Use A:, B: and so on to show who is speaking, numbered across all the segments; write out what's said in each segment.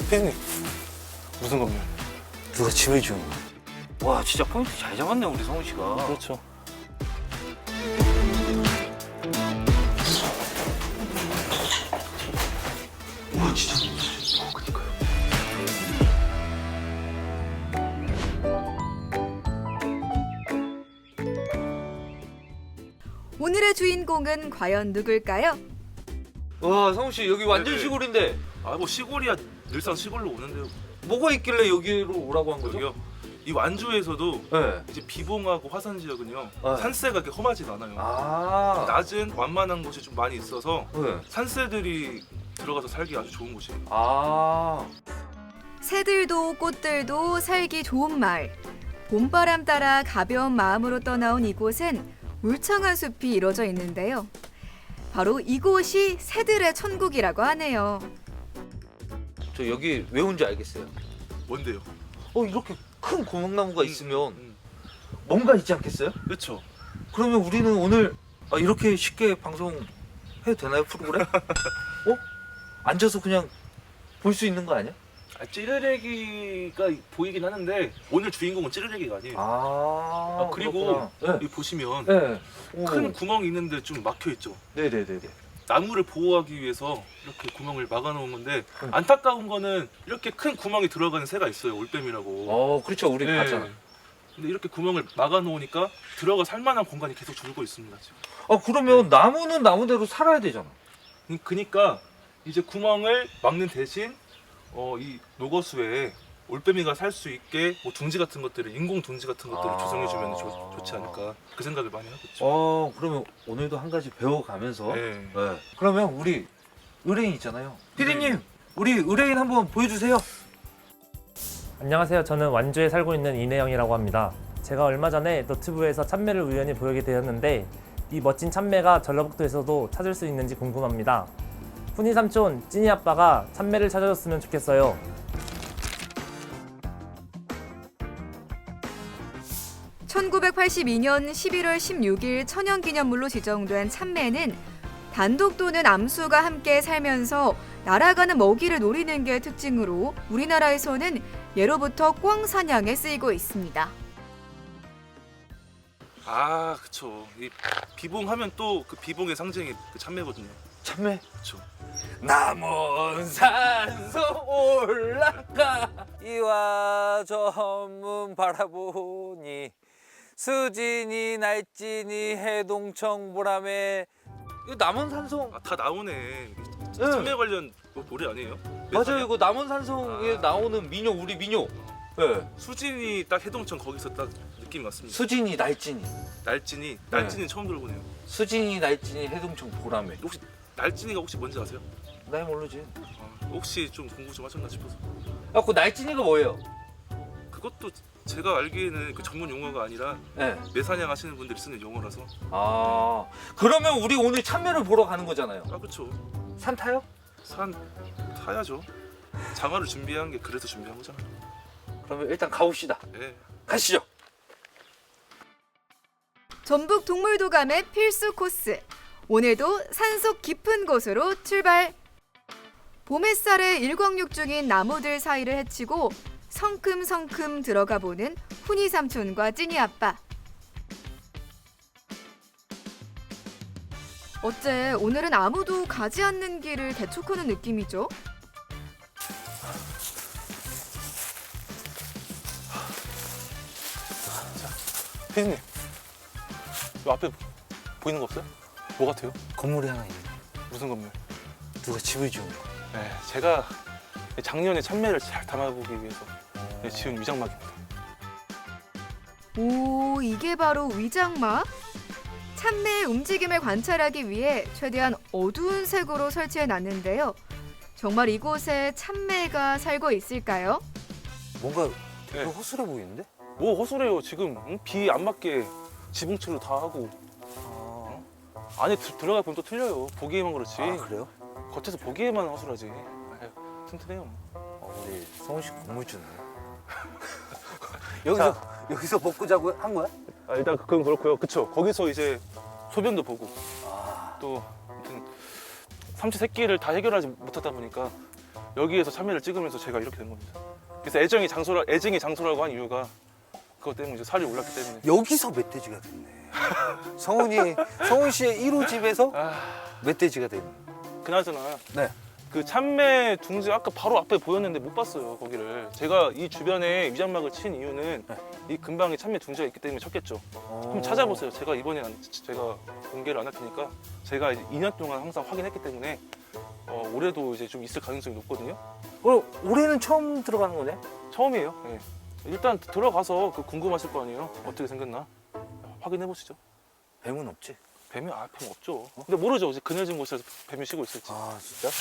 A: 피디님, 무슨 건물?
B: 누가 집을 지은 거야? 와, 진짜 포인트 잘 잡았네, 우리 성훈 씨가.
A: 그렇죠.
B: 와, 진짜. 그니까요.
C: 오늘의 주인공은 과연 누굴까요?
B: 와, 성훈 씨, 여기 완전
D: 네네.
B: 시골인데
D: 아 뭐 시골이야 늘상 시골로 오는데요.
B: 뭐가 있길래 여기로 오라고 한 거죠?
D: 여기요. 이 완주에서도
B: 네.
D: 이제 비봉하고 화산 지역은요
B: 네.
D: 산세가 그렇게 험하진 않아요.
B: 아.
D: 낮은 완만한 곳이 좀 많이 있어서
B: 네.
D: 산새들이 들어가서 살기 아주 좋은 곳이에요.
B: 아.
C: 새들도 꽃들도 살기 좋은 마을. 봄바람 따라 가벼운 마음으로 떠나온 이곳엔 울창한 숲이 이루어져 있는데요. 바로 이곳이 새들의 천국이라고 하네요.
B: 저 여기 왜 온지 알겠어요.
D: 뭔데요?
B: 이렇게 큰 고목나무가 있으면
D: 음.
B: 뭔가 있지 않겠어요?
D: 그렇죠.
B: 그러면 우리는 오늘 이렇게 쉽게 방송 해도 되나요, 프로그램? 앉아서 그냥 볼 수 있는 거 아니야?
D: 찌르레기가 보이긴 하는데 오늘 주인공은 찌르레기가 아니에요. 그리고
B: 그렇구나.
D: 여기 보시면
B: 네.
D: 큰 구멍이 있는데 좀 막혀 있죠.
B: 네네네네.
D: 나무를 보호하기 위해서 이렇게 구멍을 막아놓은 건데
B: 응.
D: 안타까운 거는 이렇게 큰 구멍이 들어가는 새가 있어요. 올빼미라고.
B: 그렇죠. 우리
D: 네.
B: 봤잖아.
D: 근데 이렇게 구멍을 막아놓으니까 들어가 살만한 공간이 계속 줄고 있습니다. 지금.
B: 그러면 나무는 나무대로 살아야 되잖아.
D: 그러니까 이제 구멍을 막는 대신 이 녹어수에 올빼미가 살 수 있게 뭐 둥지 같은 것들을 인공 둥지 같은 것들을 조성해주면 좋지 않을까 그 생각을 많이 하고 있죠.
B: 그러면 오늘도 한 가지 배워가면서.
D: 네.
B: 네. 그러면 우리 의뢰인 있잖아요. 피디님, 우리 의뢰인 한번 보여주세요.
E: 안녕하세요. 저는 완주에 살고 있는 이내영이라고 합니다. 제가 얼마 전에 너튜브에서 참매를 우연히 보게 되었는데 이 멋진 참매가 전라북도에서도 찾을 수 있는지 궁금합니다. 훈이 삼촌, 찐이 아빠가 참매를 찾아줬으면 좋겠어요.
C: (1982년 11월 16일) 천연기념물로 지정된 참매는 단독 또는 암수가 함께 살면서 날아가는 먹이를 노리는 게 특징으로 우리나라에서는 예로부터 꿩 사냥에 쓰이고 있습니다.
D: 아, 그쵸. 이 비봉하면 또 그 비봉의 상징이 그 참매거든요.
B: 참매.
D: 그쵸.
B: 남은 산소 올라가 이와 저문 바라보니 수진이 날진이 해동청 보람에 이거 남원산성.
D: 아, 다 나오네. 참매 관련 노래 아니에요?
B: 맞아요. 이거 남원산성에 나오는 민요, 우리 민요. 네.
D: 수진이 딱 해동천 거기서 딱 느낌이 왔습니다.
B: 수진이 날진이
D: 날진이 처음 들어보네요.
B: 수진이 날진이 해동청 보람에.
D: 혹시 날진이가 혹시 뭔지 아세요?
B: 나 모르지.
D: 혹시 좀 공부 좀 하셨나 싶어서.
B: 그 날진이가 뭐예요?
D: 그것도 제가 알기에는 그 전문 용어가 아니라
B: 네.
D: 매사냥 하시는 분들이 쓰는 용어라서.
B: 그러면 우리 오늘 참매를 보러 가는 거잖아요.
D: 아, 그쵸.
B: 산 타요?
D: 산 타야죠. 장화를 준비한 게 그래서 준비한 거잖아요.
B: 그러면 일단 가봅시다.
D: 예.
B: 가시죠.
C: 전북 동물도감의 필수 코스. 오늘도 산속 깊은 곳으로 출발. 봄 햇살에 일광욕 중인 나무들 사이를 헤치고 성큼성큼 들어가 보는 훈이 삼촌과 찐이 아빠. 어째 오늘은 아무도 가지 않는 길을 개척하는 느낌이죠?
A: 피디님, 요 앞에 보이는 거 없어요? 뭐 같아요?
B: 건물이 하나 있네.
A: 무슨 건물?
B: 누가 집을 지은 거야?
A: 네, 제가 작년에 참매를 잘 담아보기 위해서 지은 위장막입니다.
C: 오, 이게 바로 위장막? 참매의 움직임을 관찰하기 위해 최대한 어두운 색으로 설치해 놨는데요. 정말 이곳에 참매가 살고 있을까요?
B: 뭔가
A: 되게
B: 허술해 보이는데?
A: 뭐 허술해요. 지금 비 안 맞게 지붕칠로 다 하고 안에 들어가 보면 또 틀려요. 보기에만 그렇지.
B: 그래요?
A: 겉에서 보기에만 허술하지. 아유, 튼튼해요.
B: 우리 성훈 씨 건물주네. 여기서 먹고 자고 한 거야?
A: 일단 그건 그렇고요. 그쵸. 거기서 이제 소변도 보고 또 아무튼 삼치 새끼를 다 해결하지 못하다 보니까 여기에서 참외를 찍으면서 제가 이렇게 된 겁니다. 그래서 애증이 장소라고 한 이유가 그것 때문에 이제 살이 올랐기 때문에.
B: 여기서 멧돼지가 됐네. 성훈 씨의 1호 집에서 멧돼지가 됐네.
A: 그나저나
B: 네.
A: 그 참외 둥지 아까 바로 앞에 보였는데 못 봤어요 거기를. 제가 이 주변에 위장막을 친 이유는 이 근방에 참외 둥지가 있기 때문에 쳤겠죠. 한번 찾아보세요. 제가 이번에 제가 공개를 안 할 테니까 제가 이제 2년 동안 항상 확인했기 때문에 올해도 이제 좀 있을 가능성이 높거든요.
B: 그럼 올해는 처음 들어가는 거네?
A: 처음이에요. 예. 일단 들어가서 그 궁금하실 거 아니에요. 어떻게 생겼나 확인해 보시죠.
B: 뱀은 없지?
A: 뱀이 뱀 없죠. 근데 모르죠. 이제 그늘진 곳에서 뱀이 쉬고 있을지.
B: 아 진짜?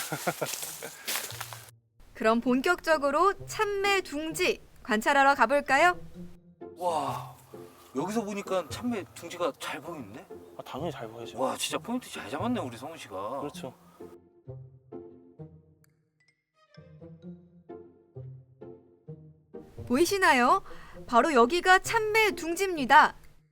C: 그럼 본격적으로 참외 둥지 관찰하러 가볼까요?
B: 와 여기서 보니까 참외 둥지가 잘 보이는데?
A: 당연히 잘 보이죠.
B: 와 진짜 포인트 잘 잡았네 우리 성훈 씨가.
A: 그렇죠.
C: 보이시나요? 바로 여기가 참외 둥지입니다.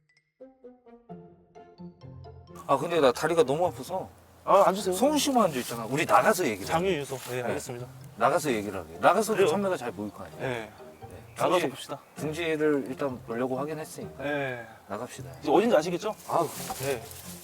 B: 아 근데 나 다리가 너무 아파서
A: 앉으세요.
B: 성훈 씨만 앉아 있잖아. 우리 나가서 얘기를 해.
A: 장유 유소. 네, 알겠습니다.
B: 나가서 얘기를 하게. 나가서도
A: 그래요?
B: 참외가 잘 보일 거 아니야.
A: 네.
B: 네.
A: 나가서 봅시다.
B: 둥지를 일단 보려고 하긴 했으니까
A: 네.
B: 나갑시다.
A: 이제 어딘지 아시겠죠?
B: 아우
A: 네.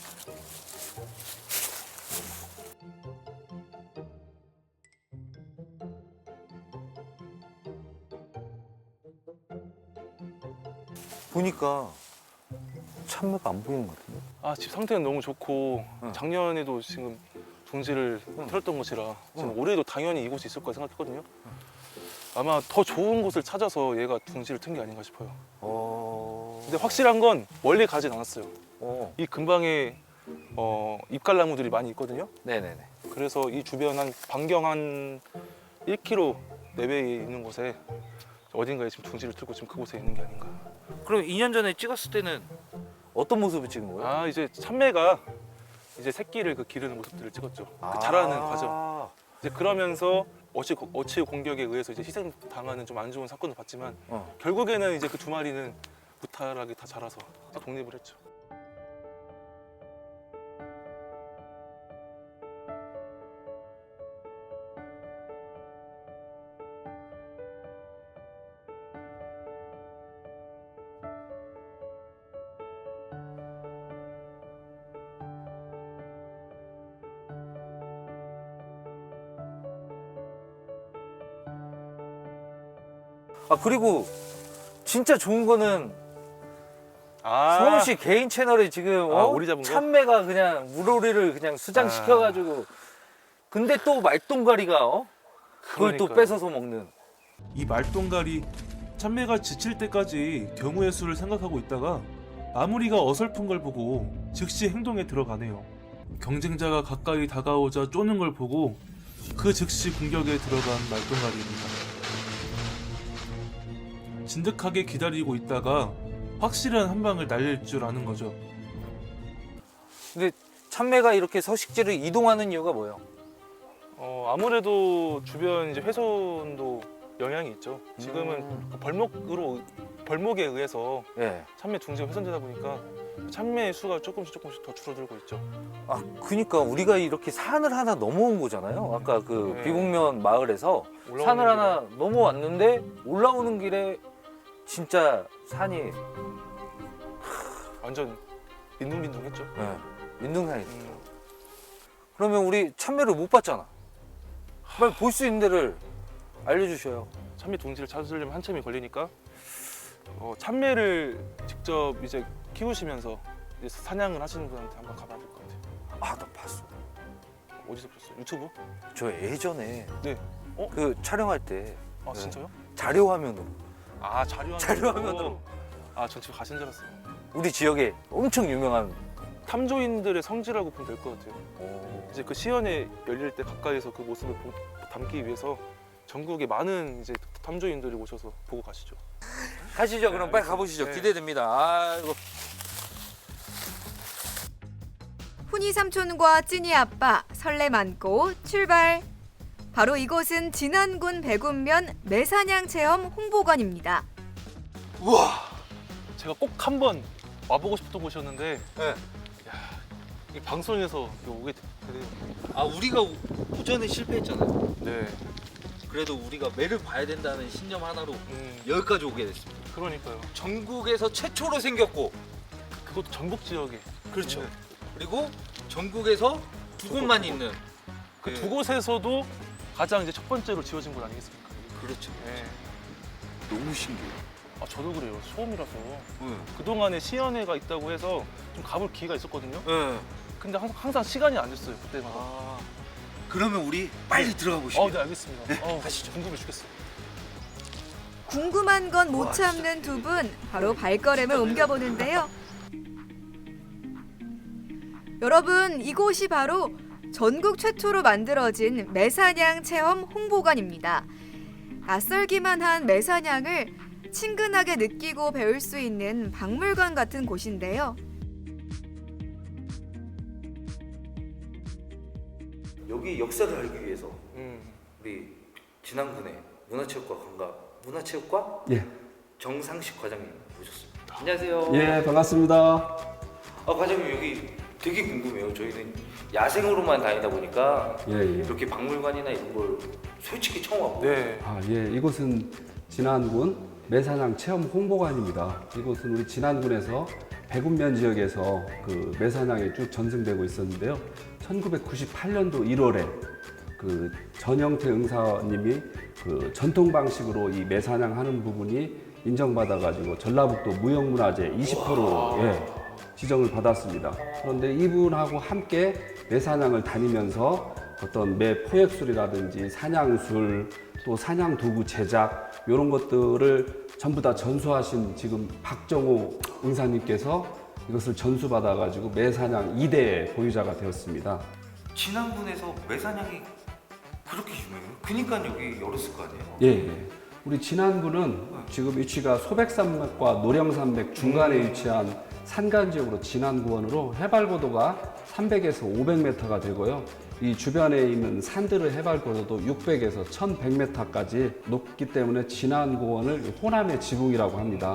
B: 보니까 참외가 안 보이는 것 같은데?
A: 집 상태는 너무 좋고
B: 응.
A: 작년에도 지금 둥지를 틀었던 곳이라 지금 올해도 당연히 이곳이 있을 거라 생각했거든요. 아마 더 좋은 곳을 찾아서 얘가 둥지를 튼 게 아닌가 싶어요. 근데 확실한 건 멀리 가진 않았어요. 이 근방에 잎갈나무들이 많이 있거든요.
B: 네네네.
A: 그래서 이 주변 한 반경 한 1km 내외에 있는 곳에 어딘가에 지금 둥지를 틀고 지금 그곳에 있는 게 아닌가.
B: 그럼 2년 전에 찍었을 때는 어떤 모습을 찍은 거예요?
A: 이제 참외가 이제 새끼를 기르는 모습들을 찍었죠. 그 자라는 과정. 이제 그러면서 어치 공격에 의해서 이제 희생 당하는 좀 안 좋은 사건도 봤지만 결국에는 이제 그 두 마리는 무탈하게 다 자라서 독립을 했죠.
B: 그리고 진짜 좋은 거는 성훈 씨 개인 채널에 지금
A: 오리 잡은 거?
B: 참외가 그냥 물오리를 그냥 수장시켜가지고 근데 또 말똥가리가 그걸 또
A: 그러니까요.
B: 뺏어서 먹는.
D: 이 말똥갈이 참매가 지칠 때까지 경우의 수를 생각하고 있다가 마무리가 어설픈 걸 보고 즉시 행동에 들어가네요. 경쟁자가 가까이 다가오자 쪼는 걸 보고 그 즉시 공격에 들어간 말똥갈이입니다. 진득하게 기다리고 있다가 확실한 한 방을 날릴 줄 아는 거죠.
B: 근데 참매가 이렇게 서식지를 이동하는 이유가 뭐예요?
A: 아무래도 주변 이제 훼손도 영향이 있죠. 지금은 그 벌목에 의해서
B: 예.
A: 참외 둥지가 훼손되다 보니까 참외 수가 조금씩 더 줄어들고 있죠.
B: 그러니까 우리가 이렇게 산을 하나 넘어온 거잖아요. 아까 그
A: 네.
B: 비곡면 마을에서
A: 올라오는
B: 산을
A: 길에.
B: 하나 넘어왔는데 올라오는 길에 진짜 산이
A: 완전 빈둥빈둥했죠.
B: 민둥산이. 그러면 우리 참매를 못 봤잖아. 빨리 볼 수 있는 데를 알려주셔요.
A: 참외 둥지를 찾으려면 한참이 걸리니까 참외를 직접 이제 키우시면서 이제 사냥을 하시는 분한테 한번 가봐야 될 것 같아요.
B: 나 봤어.
A: 어디서 보셨어요? 유튜브?
B: 저 예전에
A: 네.
B: 그 촬영할 때 네.
A: 진짜요?
B: 자료 화면으로
A: 자료화면으로. 전 지금 가신 줄 알았어요.
B: 우리 지역에 엄청 유명한
A: 탐조인들의 성지라고 보면 될 것 같아요. 이제 그 시연회 열릴 때 가까이서 그 모습을 담기 위해서 전국에 많은 이제 탐조인들이 오셔서 보고 가시죠.
B: 가시죠. 그럼 빨리 가보시죠.
A: 네.
B: 기대됩니다. 아이고.
C: 훈이 삼촌과 찐이 아빠 설렘 안고 출발. 바로 이곳은 진안군 백운면 매사냥 체험 홍보관입니다.
A: 우와! 제가 꼭 한번 와보고 싶었던 곳이었는데
B: 네.
A: 이 방송에서 오게 되네요.
B: 우리가 오전에 실패했잖아요.
A: 네.
B: 그래도 우리가 매를 봐야 된다는 신념 하나로 여기까지 오게 됐습니다.
A: 그러니까요.
B: 전국에서 최초로 생겼고,
A: 그것도 전북 지역에.
B: 그렇죠.
A: 네.
B: 그리고 전국에서 두 곳만 있는
A: 그
B: 네.
A: 두 곳에서도 가장 이제 첫 번째로 지어진 곳 아니겠습니까?
B: 그렇죠.
A: 네.
B: 너무 신기해요.
A: 아 저도 그래요. 처음이라서.
B: 응.
A: 그동안에 시연회가 있다고 해서 좀 가볼 기회가 있었거든요.
B: 네.
A: 근데 항상 시간이 안 됐어요. 그때마다.
B: 아, 그러면 우리 빨리 들어가 보시죠.
A: 네 알겠습니다. 가시죠. 궁금해 죽겠어요.
C: 궁금한 건 못 참는 두 분, 바로 발걸음을 옮겨보는데요. 여러분, 이곳이 바로 전국 최초로 만들어진 매사냥 체험 홍보관입니다. 낯설기만 한 매사냥을 친근하게 느끼고 배울 수 있는 박물관 같은 곳인데요.
B: 여기 역사를 알기 위해서
A: 음.
B: 우리 진안군의 문화체육과
F: 예.
B: 정상식 과장님 모셨습니다. 안녕하세요.
F: 예, 반갑습니다.
B: 과장님 여기 되게 궁금해요. 저희는 야생으로만 다니다 보니까
F: 예, 예.
B: 이렇게 박물관이나 이런 걸 솔직히 처음 와보고.
A: 네.
F: 예, 이곳은 진안군 매사냥 체험 홍보관입니다. 이곳은 우리 진안군에서 백운면 지역에서 그 매사냥이 쭉 전승되고 있었는데요. 1998년도 1월에 그 전영태 응사님이 그 전통 방식으로 이 매사냥 하는 부분이 인정받아가지고 전라북도 무형문화재 20호로 지정을 받았습니다. 그런데 이분하고 함께 매사냥을 다니면서 어떤 매 포획술이라든지 사냥술 또 사냥 도구 제작 이런 것들을 전부 다 전수하신 지금 박정호 응사님께서 이것을 전수받아가지고 매사냥 2대 보유자가 되었습니다.
B: 진안군에서 매사냥이 그렇게 유명해요? 그니까 여기 열었을 거 아니에요?
F: 예, 예. 우리 진안군은 지금 위치가 소백산맥과 노령산맥 중간에 위치한 산간 지역으로 진안구원으로 해발 고도가 300에서 500m가 되고요. 이 주변에 있는 산들의 해발 고도도 600에서 1100m까지 높기 때문에 진안구원을 호남의 지붕이라고 합니다.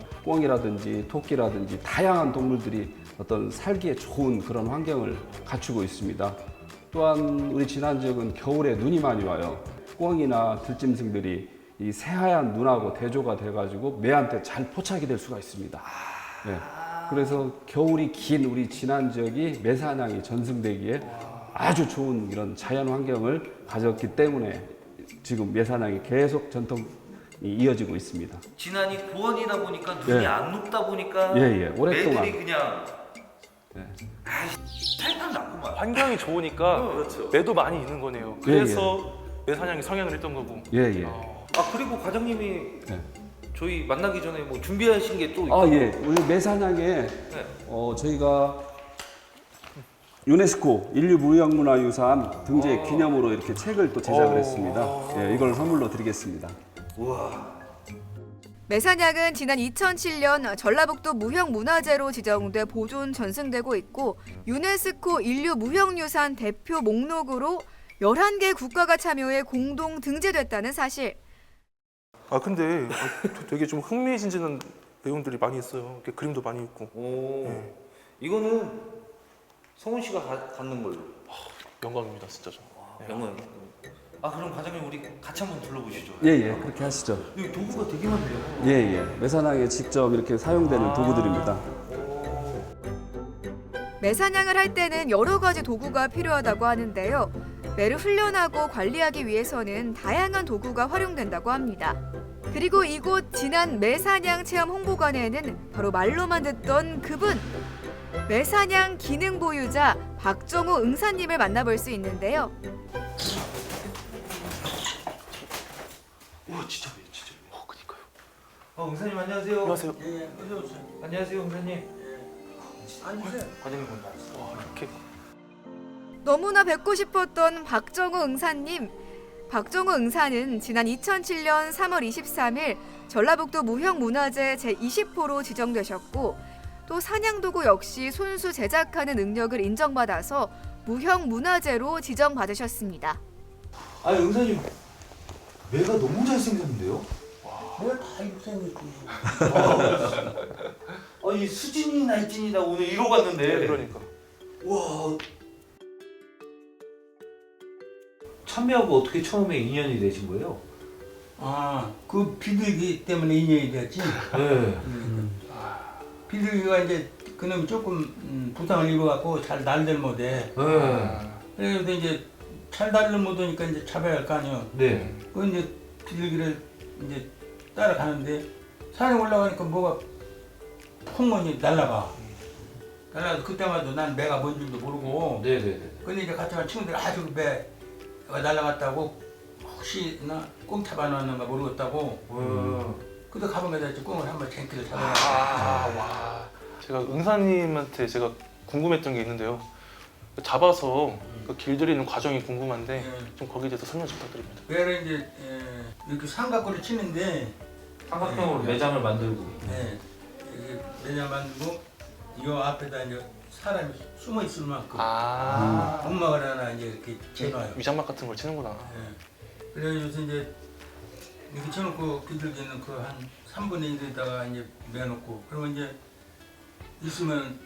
F: 꿩이라든지 토끼라든지 다양한 동물들이 어떤 살기에 좋은 그런 환경을 갖추고 있습니다. 또한 우리 진안 지역은 겨울에 눈이 많이 와요. 꿩이나 들짐승들이 이 새하얀 눈하고 대조가 돼가지고 매한테 잘 포착이 될 수가 있습니다. 네. 그래서 겨울이 긴 우리 진안 지역이 매사냥이 전승되기에 아주 좋은 이런 자연 환경을 가졌기 때문에 지금 매사냥이 계속 전통이 이어지고 있습니다.
B: 진안이 고원이다 보니까 눈이
F: 예.
B: 안 높다 보니까
F: 예, 오랫동안.
B: 매들이 그냥
F: 네.
B: 탈탈 났구만.
A: 환경이 좋으니까
B: 그렇죠.
A: 매도 많이 있는 거네요. 그래서 매사냥이 성행을 했던 거고.
F: 예, 예.
B: 그리고 과장님이
F: 네.
B: 저희 만나기 전에 뭐 준비하신 게 또
F: 아, 예. 우리 매사냥에 저희가 유네스코 인류무형문화유산 등재 기념으로 이렇게 책을 또 제작을 했습니다. 예, 이걸 선물로 드리겠습니다.
B: 우와.
C: 매사냥은 지난 2007년 전라북도 무형문화재로 지정돼 보존 전승되고 있고 유네스코 인류무형유산 대표 목록으로 11개 국가가 참여해 공동 등재됐다는 사실.
A: 근데 되게 좀 흥미진진한 내용들이 많이 있어요. 이렇게 그림도 많이 있고.
B: 오.
A: 네.
B: 이거는 성훈 씨가 갖는 걸로.
A: 영광입니다, 진짜 저.
B: 영광. 그럼 과장님 우리 같이 한번 둘러보시죠.
F: 예, 예. 그렇게 하시죠.
B: 여기 도구가 되게 많네요.
F: 예, 예. 매사냥에 직접 이렇게 사용되는 도구들입니다.
C: 매사냥을 할 때는 여러 가지 도구가 필요하다고 하는데요. 매를 훈련하고 관리하기 위해서는 다양한 도구가 활용된다고 합니다. 그리고 이곳 진안 매사냥 체험 홍보관에는 바로 말로만 듣던 그분! 매사냥 기능 보유자 박정호 응사님을 만나볼 수 있는데요.
B: 와 진짜 그니까요. 응사님 안녕하세요.
A: 안녕하세요.
B: 안녕하세요 응사님. 앉으세요. 과장님 먼저 앉으세요.
A: 이렇게.
C: 너무나 뵙고 싶었던 박정호 응사님. 박정호 응사는 지난 2007년 3월 23일 전라북도 무형문화재 제20호로 지정되셨고 또 사냥도구 역시 손수 제작하는 능력을 인정받아서 무형문화재로 지정받으셨습니다.
B: 응사님 매가 너무 잘생겼는데요?
G: 내가 다 이렇게 생겼지.
B: 아니 수진이 날진이다 오늘 이러고 왔는데.
A: 그러니까.
B: 와 참매하고 어떻게 처음에 인연이 되신 거예요?
G: 아, 그 비둘기 때문에 인연이 됐지.
B: 네.
G: 비둘기가 이제 그놈이 조금 부상을 입어갖고 잘 날들 못해.
B: 네.
G: 그래서 이제 잘 날들 못하니까 이제 잡아야 할 거 아니에요.
B: 네.
G: 그 이제 비둘기를 이제 따라가는데 산에 올라가니까 뭐가 풍문이 날라가. 날라가서 그때마다 난 매가 뭔 줄도 모르고.
B: 네네네.
G: 근데 이제 같이 간 친구들이 아주 매가 날라갔다고 혹시나 꽁 잡아놨는가 모르겠다고. 그때 가방에다 이제 꽁을 한번 쟁기를 잡아놨어요.
A: 제가 은사님한테 제가 궁금했던 게 있는데요. 잡아서 그 길들이는 과정이 궁금한데 좀 거기에 대해서 설명 좀 부탁드립니다.
G: 매를 이제 이렇게 삼각구를 치는데
B: 삼각형으로 매장을 만들고.
G: 이게 매장 만들고 이 앞에다 이제 사람이 숨어 있을 만큼 엄마가 하나 이제 이렇게 재놔요.
A: 위장막 같은 걸 치는구나.
G: 그래서 이제 이렇게 쳐놓고 비둘기는 그 한 3분의 1에다가 이제 매놓고 그러면 이제 있으면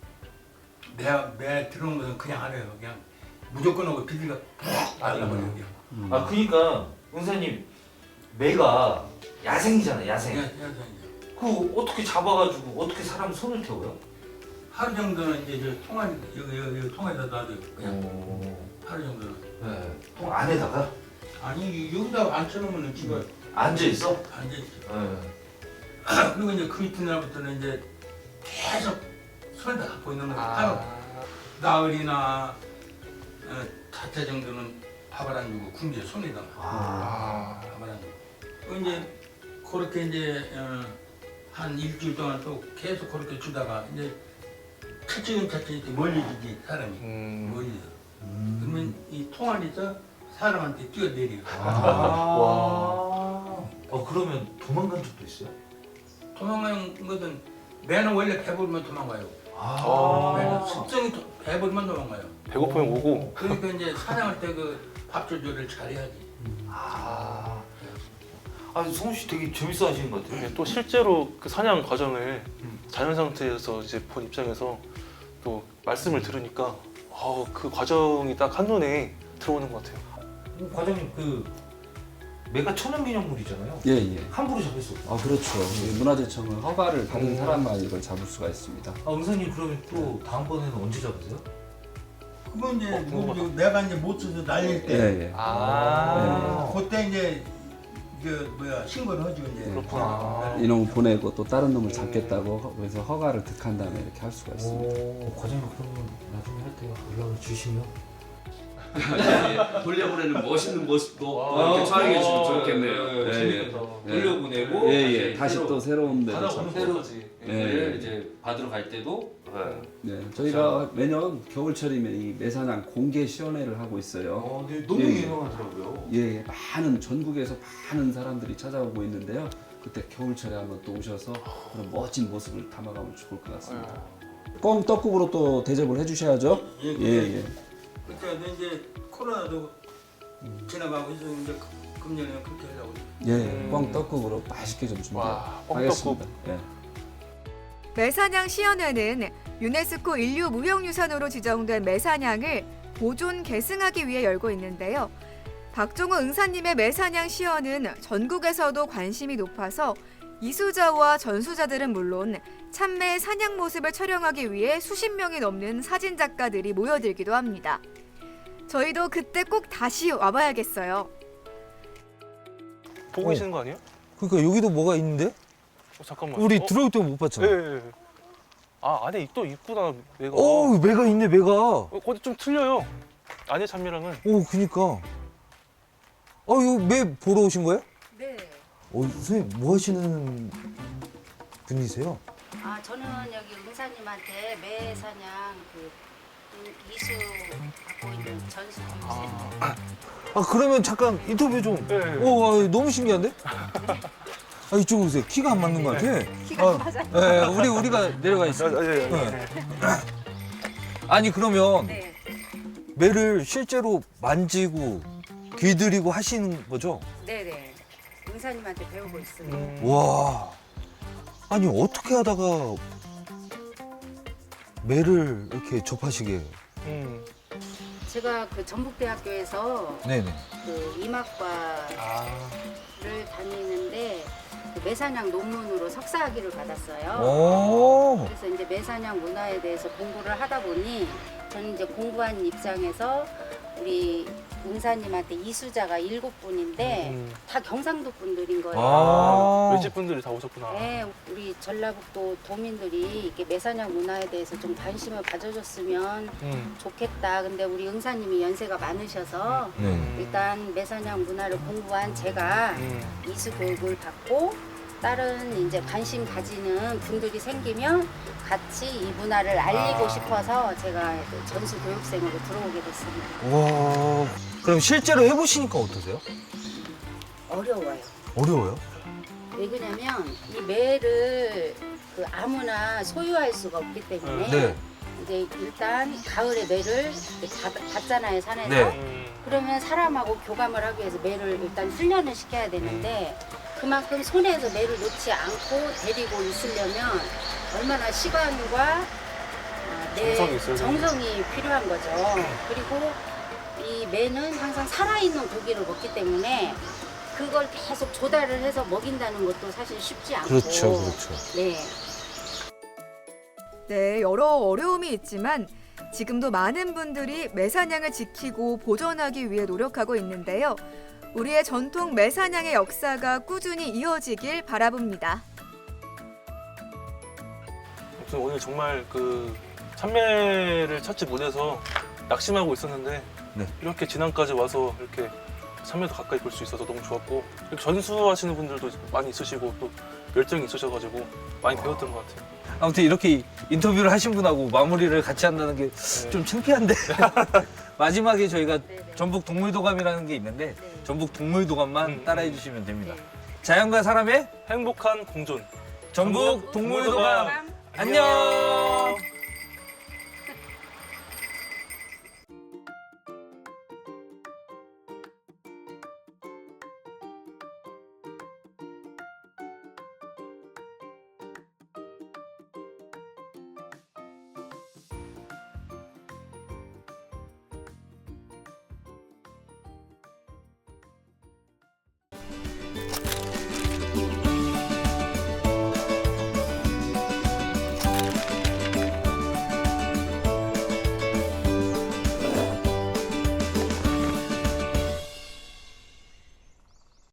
G: 매 들어온 것은 그냥 안 해요. 그냥 무조건 하고 비둘기가 푹 날라버려요.
B: 아 그러니까 은사님 매가 야생이잖아요, 야생.
G: 그냥
B: 그 어떻게 잡아가지고 어떻게 사람 손을 태워요?
G: 하루 정도는 이제 저 통안 여기 통에다 놔둬요. 그냥 하루 정도는.
B: 네. 통 안에다가
G: 아니 여기다 앉혀놓으면 집에
B: 앉아 있어?
G: 앉아있죠.
B: 네.
G: 그리고 이제 그 이튿날부터는 이제 계속 손을 다 갖고 있는 거예요. 하루 나흘이나 자체 정도는 밥을 안 주고 굶겨 손에다가 밥을 안 주고. 그 이제 그렇게 이제 한 일주일 동안 또 계속 그렇게 주다가 이제 차츰차츰 이렇게 멀리지지 사람이 멀리서. 그러면 이 통안에서 사람한테 뛰어내려요.
B: 그러면 도망간 적도 있어요?
G: 도망가는 것은 매는 원래 배부르면 도망가요. 매는 습성이 배부르면 도망가요.
A: 배고프면 오고.
G: 그러니까 이제 사냥할 때 그 밥 조절을 잘해야지.
B: 성우 씨 되게 재밌어 하시는 것 같아요.
A: 또 실제로 그 사냥 과정을 자연 상태에서 이제 본 입장에서 또 말씀을 들으니까 그 과정이 딱 한눈에 들어오는 것 같아요.
B: 과장님 그 매가 천연기념물이잖아요.
F: 예, 예.
B: 함부로 잡을 수 없어요.
F: 그렇죠. 이 문화재청은 허가를 받은 사람만 이걸 잡을 수가 있습니다.
B: 은사님 그러면 또 다음번에는 언제 잡으세요?
G: 그건 이제
A: 궁금하다.
G: 내가 이제 못 써서 날릴
F: 예,
G: 때
F: 예.
G: 그때 이제 신고를 하죠 이제.
A: 그렇구나.
F: 이놈을 보내고 또 다른 놈을 잡겠다고 그래서 허가를 득한 다음에 이렇게 할 수가 있습니다.
B: 과장님 그러면 나중에 할 때 연락을 주시면
F: 돌려보내는 멋있는 모습도 이렇게 촬영해 주면 좋겠네요.
B: 재밌겠다.
F: 예.
B: 돌려보내고
F: 예, 다시 또 새로운 데를
B: 새로
F: 예.
B: 이제 받으러 갈 때도
F: 네, 저희가 매년 겨울철이면 이 매사냥 공개 시연회를 하고 있어요.
B: 네, 너무
F: 예.
B: 유명하더라고요.
F: 예, 많은 전국에서 많은 사람들이 찾아오고 있는데요. 그때 겨울철에 한번 또 오셔서 그런 멋진 모습을 담아가면 좋을 것 같습니다. 꽁 떡국으로 또 대접을 해주셔야죠. 예.
G: 그때 이제 코로나도 지나가고 해서 이제 금년에 그렇게 하려고.
F: 예, 꽁 떡국으로 맛있게 좀 준비하겠습니다. 예.
C: 매사냥 시연회는 유네스코 인류 무형유산으로 지정된 매사냥을 보존 계승하기 위해 열고 있는데요. 박종호 응사님의 매사냥 시연은 전국에서도 관심이 높아서 이수자와 전수자들은 물론 참매의 사냥 모습을 촬영하기 위해 수십 명이 넘는 사진작가들이 모여들기도 합니다. 저희도 그때 꼭 다시 와봐야겠어요.
A: 보고 계시는 거 아니에요?
H: 그러니까 여기도 뭐가 있는데?
A: 잠깐만.
H: 우리 들어올 때 못 봤잖아.
A: 예. 안에 또 있구나 매가.
H: 매가 있네, 매가.
A: 거기 좀 틀려요. 안에 참미랑은.
H: 그니까. 이거 매 보러 오신 거예요?
I: 네.
H: 선생님, 뭐 하시는 분이세요?
I: 저는 여기 은사님한테 매사냥 이수 갖고 있는 전수 주세요.
H: 그러면 잠깐 인터뷰 좀.
A: 예.
H: 너무 신기한데? 이쪽으로 오세요. 키가 안 맞는 것 같아.
C: 키가 맞아요.
H: 우리가 내려가 있어요.
A: 예.
H: 아니, 그러면
I: 네.
H: 매를 실제로 만지고 길들이고 하시는 거죠?
I: 네네. 은사님한테 배우고 있어요.
H: 와. 아니, 어떻게 하다가 매를 이렇게 접하시게.
I: 제가 그 전북대학교에서
H: 네네.
I: 그 이막과를 다니는데 그 매사냥 논문으로 석사학위를 받았어요.
H: 오.
I: 그래서 이제 매사냥 문화에 대해서 공부를 하다 보니 저는 이제 공부한 입장에서 우리 은사님한테 이수자가 7분인데 다 경상도 분들인 거예요.
H: 아.
A: 외집 분들이 다 오셨구나.
I: 네, 우리 전라북도 도민들이 이렇게 매사냥 문화에 대해서 좀 관심을 가져줬으면 좋겠다. 근데 우리 은사님이 연세가 많으셔서
H: 네.
I: 일단 매사냥 문화를 공부한 제가 이수 교육을 받고 다른 이제 관심 가지는 분들이 생기면 같이 이 문화를 알리고 싶어서 제가 그 전수 교육생으로 들어오게 됐습니다.
H: 와. 그럼 실제로 해보시니까 어떠세요?
I: 어려워요.
H: 어려워요?
I: 왜 그러냐면 이 매를 그 아무나 소유할 수가 없기 때문에
H: 네.
I: 이제 일단 가을에 매를 받잖아요, 산에서.
H: 네.
I: 그러면 사람하고 교감을 하기 위해서 매를 일단 훈련을 시켜야 되는데 그만큼 손에서 매를 놓지 않고 데리고 있으려면 얼마나 시간과 내
A: 정성이 있어야
I: 정성이 필요한 거죠. 그리고 이 매는 항상 살아있는 고기를 먹기 때문에 그걸 계속 조달을 해서 먹인다는 것도 사실 쉽지 않고.
H: 그렇죠, 그렇죠.
I: 네.
C: 네, 여러 어려움이 있지만 지금도 많은 분들이 매사냥을 지키고 보존하기 위해 노력하고 있는데요. 우리의 전통 매사냥의 역사가 꾸준히 이어지길 바라봅니다.
A: 아무튼 오늘 정말 그 참매를 찾지 못해서 낙심하고 있었는데
H: 네.
A: 이렇게 진안까지 와서 이렇게 참매도 가까이 볼 수 있어서 너무 좋았고 이렇게 전수하시는 분들도 많이 있으시고 또 열정이 있으셔가지고 많이 배웠던 것 같아요.
B: 아무튼 이렇게 인터뷰를 하신 분하고 마무리를 같이 한다는 게 좀 창피한데 마지막에 저희가 전북 동물도감이라는 게 있는데 전북 동물도감만 따라해 주시면 됩니다. 자연과 사람의
A: 행복한 공존.
B: 전북 동물도감 안녕.